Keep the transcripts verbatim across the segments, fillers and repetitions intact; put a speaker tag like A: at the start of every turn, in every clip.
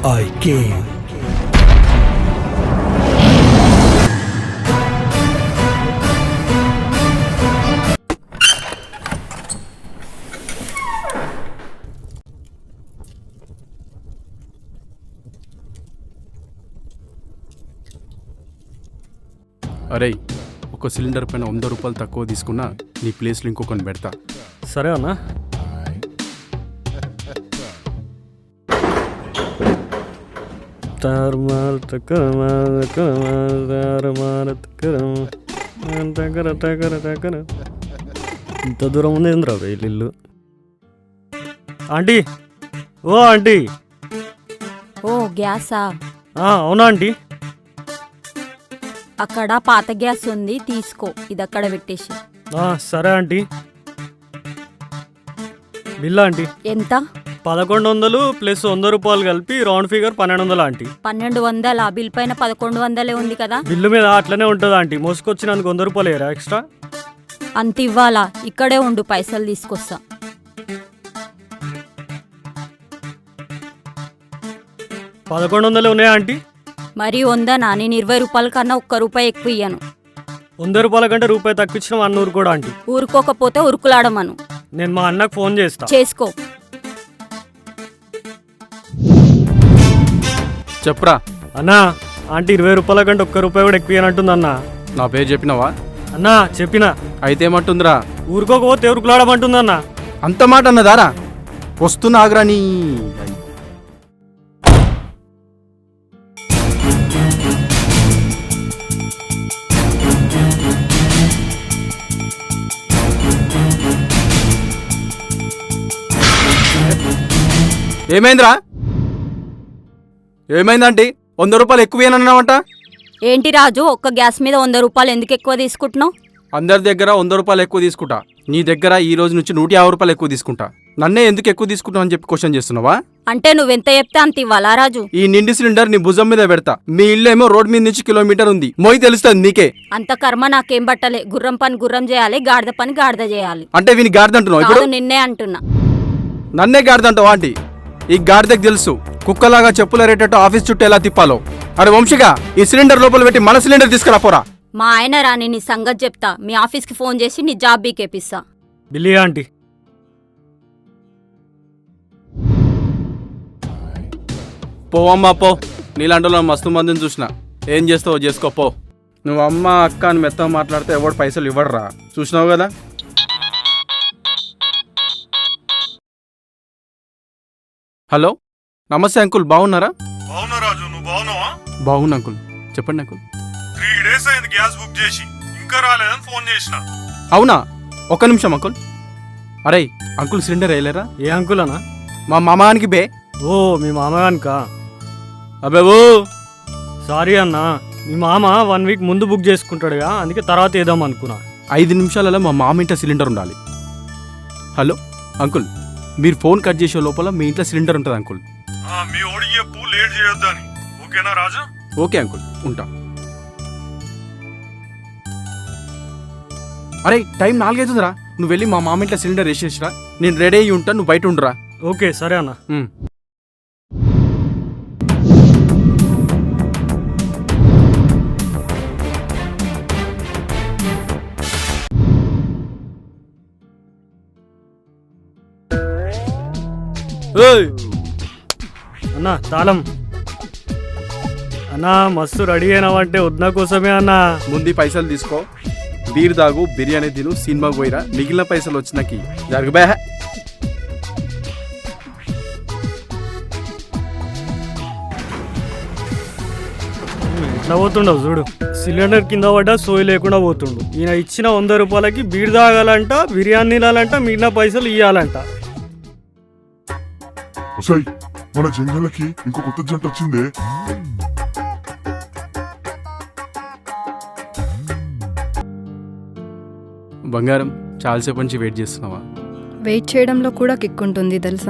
A: I came.
B: అరే ఒక cylinder పైన వంద రూపాయలు తక్కువ తీసుకున్నా నీ ప్లేస్లో ఇంకొకరిని పెడతా.
C: సరే అన్నా. ఇంత దూరం ఉంది ఏంద్రా ఇల్లు. ఆంటీ, ఓ ఆంటీ.
D: ఓ గ్యాసా?
C: అవునా ఆంటీ?
D: అక్కడ పాత గ్యాస్ ఉంది, తీసుకో. ఇది అక్కడ పెట్టేసి.
C: సరే ఆంటీ. బిల్ ఆంటీ
D: ఎంత?
C: పదకొండు వందలు ప్లస్ వంద రూపాయలు కలిపి రౌండ్ ఫిగర్ పన్నెండు వందలు ఆంటీ.
D: పన్నెండు వందల బిల్ పైన పదకొండు వందలే ఉంది కదా.
C: బిల్లు మీద అట్లనే ఉంటుంది ఆంటీ. మోసుకొచ్చినందుకు వంద రూపాయలు ఏరా ఎక్స్ట్రా?
D: అంత ఇవ్వాలా? ఇక్కడే ఉండు, పైసలు తీసుకొస్తా.
C: పదకొండు వందలు ఉన్నాయా ఆంటీ?
D: మరి వందనా? నేను ఇరవై రూపాయల కన్నా ఒక్క రూపాయి ఎక్కువ ఇయ్యను.
C: వంద రూపాయల కంటే రూపాయి తక్కువ ఇచ్చిన అన్న ఊరు కూడా ఆంటీ.
D: ఊరుకోకపోతే ఉరుకులాడమను.
C: నేను మా అన్నకు ఫోన్ చేస్తా.
D: చేసుకో.
B: చెప్పరా
C: అన్నా. ఆంటీ ఇరవై రూపాయల కంటే ఒక్క రూపాయి కూడా ఎక్కువ ఇయ్యనంటుంది అన్నా.
B: నా పేరు చెప్పినావా?
C: అన్నా చెప్పినా.
B: అయితే ఏమంటుందిరా?
C: ఊరుకోకపోతే ఉరుకులాడమంటుంది అన్నా.
B: అంత మాట అన్నదారా? వస్తున్నా ఆగ్రా. నీ ఏమైందిరా? ఏమైందంటే వంద రూపాయలు ఎక్కువేనన్నావంట.
D: ఏంటి రాజు, ఒక్క గ్యాస్ మీద వంద రూపాయలు ఎందుకు ఎక్కువ తీసుకుంటున్నావు?
B: అందరి దగ్గర వంద రూపాయలు ఎక్కువ తీసుకుంటా, నీ దగ్గర ఈ రోజు నుంచి నూట యాభై రూపాయలు ఎక్కువ తీసుకుంటా. నన్నే ఎందుకు ఎక్కువ తీసుకుంటావు అని చెప్పి క్వశ్చన్ చేస్తున్నావా?
D: అంటే నువ్వెంత చెప్తే అంత ఇవ్వాలా రాజు?
B: ఈ నిండి సిలిండర్ నీ భుజం మీద పెడతా. మీ ఇల్లు ఏమో రోడ్ మీద నుంచి కిలోమీటర్ ఉంది, మోయి తెలుస్తుంది నీకే.
D: అంత కర్మ నాకేం బట్టలే. గుర్రం పని గుర్రం చేయాలి, గాడిద పని గాడిద చేయాలి.
B: అంటే వీని గాడిద అంటున్నావు ఇప్పుడు?
D: నిన్నే అంటున్నా.
B: నన్నే గాడిద అంటావా ఆంటీ? ఈ గాడిదకు తెలుసు కుక్కలాగా చెప్పులు రేటట్టు ఆఫీస్ చుట్టూ ఎలా తిప్పాలో. అరే వంశిగా, ఈ సిలిండర్ లోపల పెట్టి మన సిలిండర్ తీసుకురా పోరా.
D: మా ఆయన రాని నీ సంగతి చెప్తా. మీ ఆఫీస్కి ఫోన్ చేసి నీ జాబ్ బీకేపిస్తా.
C: బిల్లి ఆంటీ.
B: పోవమ్మా పో. నీలాంటి మస్తు మందిని చూసిన. ఏం చేస్తావో చేసుకో పో. నువ్వు అమ్మ అక్క అని మెత్తగా మాట్లాడితే ఎవడు పైసలు ఇవ్వడరా, చూసినావు కదా. హలో, నమస్తే అంకుల్, బాగున్నారా?
E: బాగున్నా రాజు, నువ్వు బాగున్నావా?
B: బాగున్నా అంకుల్. చెప్పండి అంకుల్.
E: త్రీ డేస్ అయింది గ్యాస్ బుక్ చేసి, ఇంకా రాలేదని ఫోన్ చేసిన.
B: అవునా? ఒక్క నిమిషం అంకుల్. అరే అంకుల్, సిలిండర్ వేయలేరా?
C: ఏ అంకుల్ అన్నా?
B: మా మామానికి బే.
C: ఓ మీ మామగానికా?
B: అబ్బే ఓ
C: సారీ అన్నా, మీ మామ వన్ వీక్ ముందు బుక్ చేసుకుంటాడుగా, అందుకే తర్వాత వేద్దాం అనుకున్నా.
B: ఐదు నిమిషాలలో మా మామ ఇంట్లో సిలిండర్ ఉండాలి. హలో అంకుల్, మీరు ఫోన్ కట్ చేసే లోపల మీ ఇంట్లో సిలిండర్ ఉంటుంది అంకుల్.
E: మీ ఓడి చెప్పు, లేట్ చేయొద్దని. ఓకేనా రాజు?
B: ఓకే అంకుల్, ఉంటా. అరే టైం నాలుగైతుందిరా, నువ్వు వెళ్ళి మా మామ ఇంట్లో సిలిండర్ వేసేసిరా. నేను రెడీ అయ్యి ఉంటాను, నువ్వు బయట ఉండురా.
C: ఓకే సరే అన్న. అన్నా తాళం. అన్నా మస్తు రెడీ అయినావంటే వద్ద కోసమే అన్నా.
B: ముందు పైసలు తీసుకో, బీర్ దాగు, బిర్యానీ తిను, సినిమాకి పోయిరా. మిగిలిన పైసలు వచ్చినాకి జరుగుబా.
C: ఎట్లా పోతుండవు చూడు. సిలిండర్ కింద పడ్డా సోయి లేకుండా పోతుండు. ఈయన ఇచ్చిన వంద రూపాయలకి బీర్ తాగాలంట, బిర్యానీ తినాలంట, మిగిలిన పైసలు ఇవ్వాలంట.
F: మన జంగలకి ఇంకో కొత్త జంట వచ్చిందే.
B: బంగారం, చాలాసేపు నుంచి వెయిట్ చేస్తున్నావా?
G: వెయిట్ చేయడంలో కూడా కిక్ ఉంటుంది తెలుసా?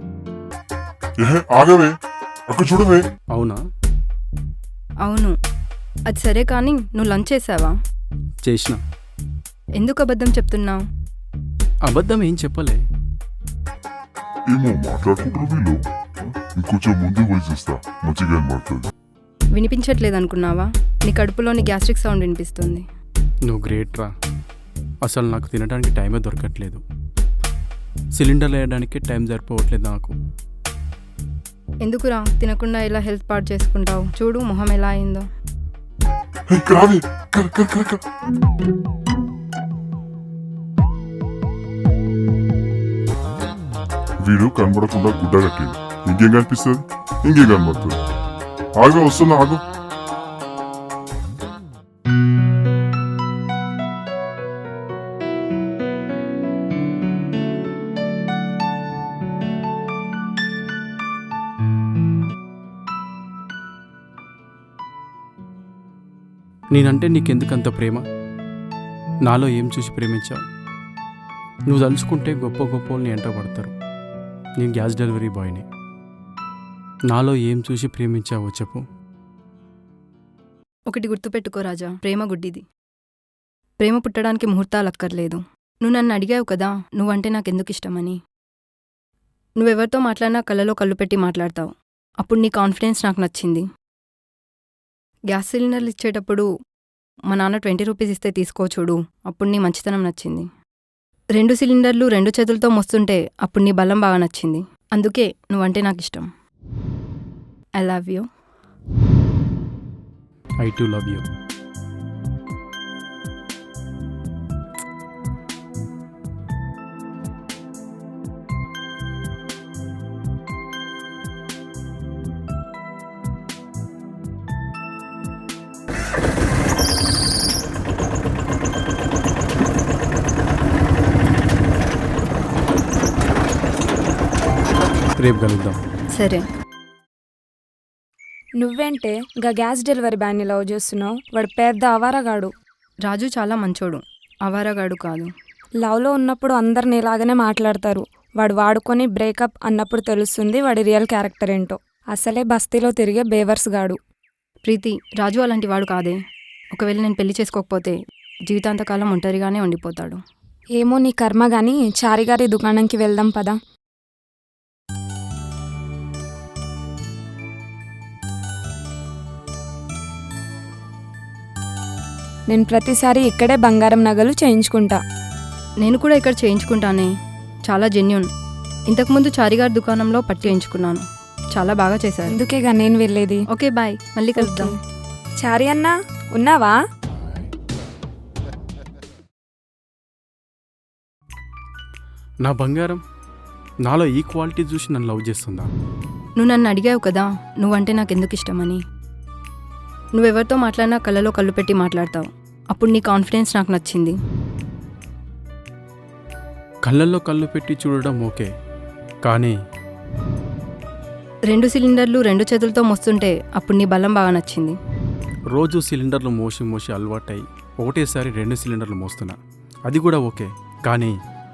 F: ఆగవే, అక్కడ చూడవే.
B: అవునా?
G: అవును. అది సరే కానీ నువ్వు లంచ్ చేసావా?
B: చేసిన.
G: ఎందుకు అబద్ధం చెప్తున్నావు?
B: అబద్ధం ఏం చెప్పలే.
F: ఏమో మాట్లాడుకుంటారు వీళ్ళు. ఇంకొంచెం ముందుకు పోయి చూస్తా, మంచిగా కనబడుతుంది.
G: వినిపించట్లేదు అనుకున్నావా? నీ కడుపులోని గ్యాస్ట్రిక్ సౌండ్ వినిపిస్తుంది.
B: నువ్వు గ్రేట్ రా. అసలు నాకు తినడానికి టైమే దొరకట్లేదు. సిలిండర్ వేయడానికి టైం సరిపోవట్లేదు నాకు.
G: ఎందుకురా తినకుండా ఇలా హెల్త్ పాడు చేసుకుంటావు? చూడు మొహం ఎలా అయిందో.
F: హే, ఇక్కడ రావే. ఇక్కడ, ఇక్కడ, ఇక్కడ, ఇక్కడ. వీడు కనబడకుండా గుడ్డ కట్టింది. ఇంకేం కనిపిస్తుంది? ఇంకేం కనబడుతుంది? ఆగు, వస్తున్నా, ఆగు.
B: నేనంటే నీకెందుకంత ప్రేమ? నాలో ఏం చూసి ప్రేమించావు? నువ్వు తలుచుకుంటే గొప్ప గొప్ప వాళ్ళని ఎంట పడతారు. నేను గ్యాస్ డెలివరీ బాయ్ని. నాలో ఏం చూసి ప్రేమించావో చెప్పు.
G: ఒకటి గుర్తుపెట్టుకో రాజా, ప్రేమ గుడ్డిది. ప్రేమ పుట్టడానికి ముహూర్తాలు అక్కర్లేదు. నువ్వు నన్ను అడిగావు కదా నువ్వంటే నాకెందుకు ఇష్టమని. నువ్వెవరితో మాట్లాడినా కళ్ళలో కళ్ళు పెట్టి మాట్లాడతావు. అప్పుడు నీ కాన్ఫిడెన్స్ నాకు నచ్చింది. గ్యాస్ సిలిండర్లు ఇచ్చేటప్పుడు మా నాన్న ట్వంటీ రూపీస్ ఇస్తే తీసుకో చూడు, అప్పుడు నీ మంచితనం నచ్చింది. రెండు సిలిండర్లు రెండు చేతులతో మోస్తుంటే అప్పుడు నీ బలం బాగా నచ్చింది. అందుకే నువ్వంటే నాకు ఇష్టం. I love you.
B: I too love you. రేపు కలుద్దాం.
G: సరే.
A: నువ్వేంటే గా గ్యాస్ డెలివరీ బ్యాన్ని లవ్ చేస్తున్నావు? వాడు పెద్ద అవారగాడు.
G: రాజు చాలా మంచోడు, అవారగాడు కాదు.
A: లవ్లో ఉన్నప్పుడు అందరిని ఇలాగనే మాట్లాడతారు. వాడు వాడుకొని బ్రేకప్ అన్నప్పుడు తెలుస్తుంది వాడి రియల్ క్యారెక్టర్ ఏంటో. అసలే బస్తీలో తిరిగే బేవర్స్ గాడు.
G: ప్రీతి, రాజు అలాంటి వాడు కాదే. ఒకవేళ నేను పెళ్లి చేసుకోకపోతే జీవితాంతకాలం ఒంటరిగానే ఉండిపోతాడు.
A: ఏమో నీ కర్మ గాని, చారిగారి దుకాణంకి వెళ్దాం పదా. నేను ప్రతిసారి ఇక్కడే బంగారం నగలు చేయించుకుంటా.
G: నేను కూడా ఇక్కడ చేయించుకుంటానే, చాలా జెన్యూన్. ఇంతకుముందు చారిగారి దుకాణంలో పట్టు చేయించుకున్నాను, చాలా బాగా చేశారు.
A: అందుకేగా నేను వెళ్ళేది.
G: ఓకే బాయ్, మళ్ళీ కలుద్దాం.
A: చారి అన్నా ఉన్నావా?
B: నా బంగారం నాలో ఈ క్వాలిటీ చూసి నన్ను లవ్ చేస్తుందా?
G: నువ్వు నన్ను అడిగావు కదా నువ్వంటే నాకెందుకు ఇష్టమని. నువ్వెవరితో మాట్లాడినా కళ్ళలో కళ్ళు పెట్టి మాట్లాడతావు. అప్పుడు నీ కాన్ఫిడెన్స్ నాకు నచ్చింది.
B: కళ్ళల్లో కళ్ళు పెట్టి చూడడం ఓకే, కానీ
G: రెండు సిలిండర్లు రెండు చేతులతో మోస్తుంటే అప్పుడు నీ బలం బాగా నచ్చింది.
B: రోజు సిలిండర్లు మోసి మోసి అలవాటై ఒకటేసారి రెండు సిలిండర్లు మోస్తున్నా, అది కూడా ఓకే. కానీ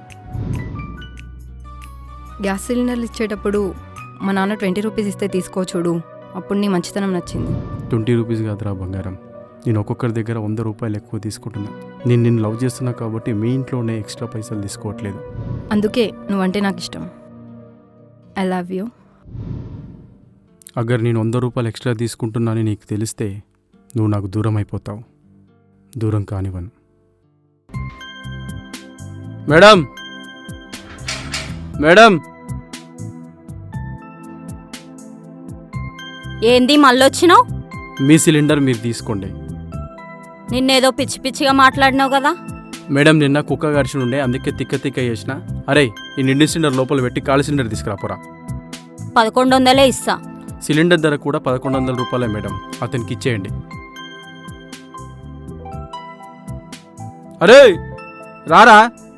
G: గ్యాస్ సిలిండర్లు ఇచ్చేటప్పుడు మా నాన్న ట్వంటీ రూపీస్ ఇస్తే తీసుకో చూడు, అప్పుడు నీ మంచితనం నచ్చింది.
B: ట్వంటీ రూపీస్ కాదురా బంగారం, నేను ఒక్కొక్కరి దగ్గర వంద రూపాయలు ఎక్కువ తీసుకుంటున్నా. నేను నిన్ను లవ్ చేస్తున్నా కాబట్టి మీ ఇంట్లోనే ఎక్స్ట్రా పైసలు తీసుకోవట్లేదు.
G: అందుకే నువ్వంటే నాకు ఇష్టం. I love you.
B: అగర్ నేను వంద రూపాయలు ఎక్స్ట్రా తీసుకుంటున్నానని నీకు తెలిస్తే నువ్వు నాకు దూరం అయిపోతావు. దూరం కానివ్వను. మేడం మేడం
D: ఏంది మళ్ళొచ్చినావు?
B: మీ సిలిండర్ మీరు తీసుకోండి.
D: నిన్నేదో పిచ్చి పిచ్చిగా మాట్లాడినావు కదా.
B: మేడం నిన్న కుక్క గడిచి ఉండే, అందుకే తిక్క తిక్క చేసిన. అరే ఈ నిండి సిలిండర్ లోపల పెట్టి ఖాళీ సిలిండర్ తీసుకురాపోరా.
D: పదకొండు వందలే ఇస్తా.
B: సిలిండర్ ధర కూడా పదకొండు వందల రూపాయలే మేడం, అతనికి ఇచ్చేయండి. అరే రారా.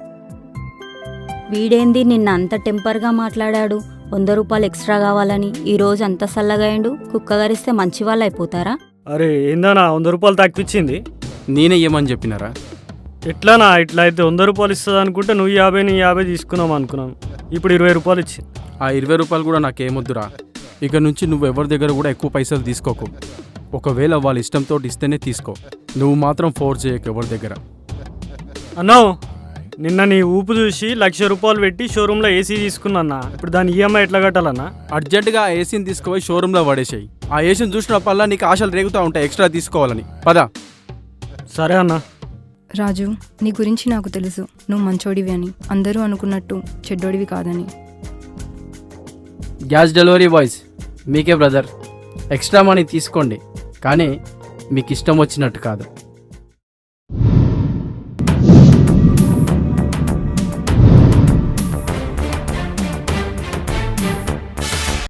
D: వీడేంది నిన్న అంత టెంపర్గా మాట్లాడాడు? వంద రూపాయలు ఎక్స్ట్రా కావాలని ఈ రోజు అంత సల్లగాయండు. కుక్క గరిస్తే మంచి వాళ్ళు అయిపోతారా?
C: అరే ఏందన్నా వంద రూపాయలు తగ్గించింది?
B: నేనే ఏమని చెప్పినారా?
C: ఎట్లానా ఇట్లా అయితే వంద రూపాయలు ఇస్తుంది అనుకుంటే నువ్వు యాభై నీ యాభై తీసుకున్నాం అనుకున్నాను. ఇప్పుడు ఇరవై రూపాయలు ఇచ్చింది.
B: ఆ ఇరవై రూపాయలు కూడా నాకేమొద్దురా. ఇక నుంచి నువ్వు ఎవరి దగ్గర కూడా ఎక్కువ పైసలు తీసుకోకు. ఒకవేళ వాళ్ళ ఇష్టంతో ఇస్తేనే తీసుకో. నువ్వు మాత్రం ఫోర్స్ చేయకు ఎవరి దగ్గర.
C: అన్నావు నిన్న నీ ఊపు చూసి లక్ష రూపాయలు పెట్టి షోరూంలో ఏసీ తీసుకున్నా. ఇప్పుడు దాని ఈఎంఐ ఎట్లా కట్టాలన్నా?
B: అర్జెంటుగా ఆ ఏసీని తీసుకుపోయి షోరూంలో పడేసాయి. ఆ ఏసీని చూసినప్పల్లా నీకు ఆశలు రేగుతూ ఉంటాయి ఎక్స్ట్రా తీసుకోవాలని. పదా.
C: సరే అన్నా.
G: రాజు, నీ గురించి నాకు తెలుసు. నువ్వు మంచోడివి అని, అందరూ అనుకున్నట్టు చెడ్డోడివి కాదని.
H: గ్యాస్ డెలివరీ బాయ్స్, మీకే బ్రదర్. ఎక్స్ట్రా మనీ తీసుకోండి, కానీ మీకు ఇష్టం వచ్చినట్టు కాదు.